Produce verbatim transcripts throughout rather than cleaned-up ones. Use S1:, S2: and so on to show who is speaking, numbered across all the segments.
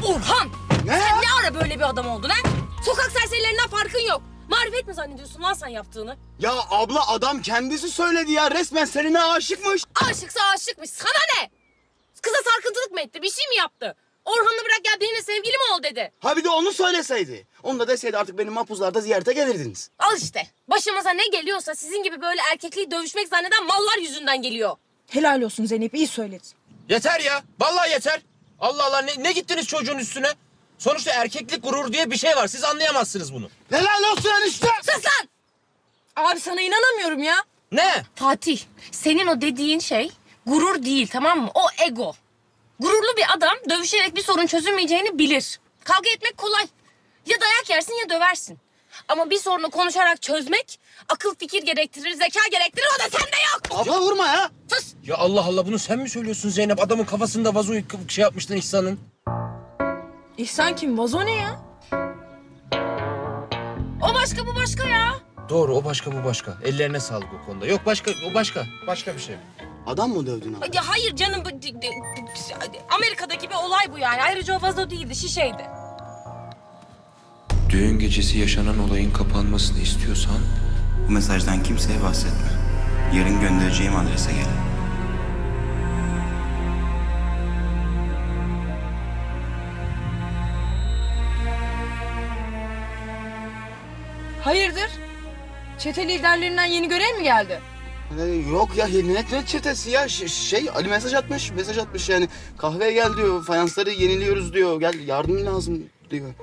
S1: Orhan!
S2: Ne?
S1: Sen ne ara böyle bir adam oldun ha? Sokak serserilerinden farkın yok. Marifet mi zannediyorsun lan sen yaptığını?
S2: Ya abla adam kendisi söyledi ya. Resmen seninle aşıkmış.
S1: Aşıksa aşıkmış. Sana ne? Kıza sarkıntılık mı etti? Bir şey mi yaptı? Orhan'la bırak gel benimle sevgili mi ol dedi.
S2: Ha bir de onu söyleseydi. Onu da deseydi artık benim mapuzlarda ziyarete gelirdiniz.
S1: Al işte. Başımıza ne geliyorsa sizin gibi böyle erkekliği dövüşmek zanneden mallar yüzünden geliyor.
S3: Helal olsun Zeynep, iyi söyledin.
S4: Yeter ya. Vallahi yeter. Allah Allah ne, ne gittiniz çocuğun üstüne? Sonuçta erkeklik gurur diye bir şey var. Siz anlayamazsınız bunu.
S2: Helal olsun enişte.
S1: Sus lan!
S3: Abi sana inanamıyorum ya.
S4: Ne?
S1: Fatih, senin o dediğin şey gurur değil, tamam mı? O ego. Gururlu bir adam dövüşerek bir sorun çözülmeyeceğini bilir. Kavga etmek kolay. Ya dayak yersin ya döversin. Ama bir sorunu konuşarak çözmek akıl fikir gerektirir, zeka gerektirir. O da sende yok.
S2: Abla vurma ya.
S1: Sus!
S4: Ya Allah Allah bunu sen mi söylüyorsun Zeynep? Adamın kafasında vazoyu k- şey yapmıştın İhsan'ın.
S3: İhsan kim? Vazo ne ya?
S1: O başka bu başka ya.
S4: Doğru o başka bu başka. Ellerine sağlık o konuda. Yok başka o başka. Başka bir şey.
S2: Adam mı dövdün abi?
S1: Ya hayır canım. bu- de- de- Amerika'daki bir olay bu yani. Ayrıca o vazo değildi, şişeydi.
S5: Düğün gecesi yaşanan olayın kapanmasını istiyorsan
S6: Bu mesajdan kimseye bahsetme. Yarın göndereceğim adrese gel.
S3: Hayırdır? Çete liderlerinden yeni görev mi geldi?
S2: Ee, yok ya ne, ne çetesi ya Ş- şey Ali mesaj atmış mesaj atmış yani kahveye gel diyor fayansları yeniliyoruz diyor gel yardım lazım diyor.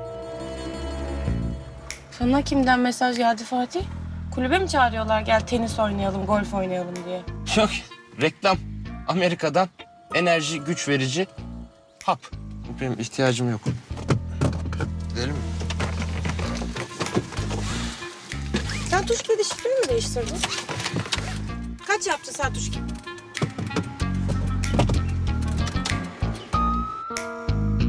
S1: Sana kimden mesaj geldi Fatih? Kulübe mi çağırıyorlar gel tenis oynayalım, golf oynayalım diye?
S4: Yok reklam. Amerika'dan enerji güç verici hap. Benim ihtiyacım yok. Gidelim mi?
S1: Sen tuş kedi şifreni mi değiştirdin? Kaç yaptı sen tuş kedi?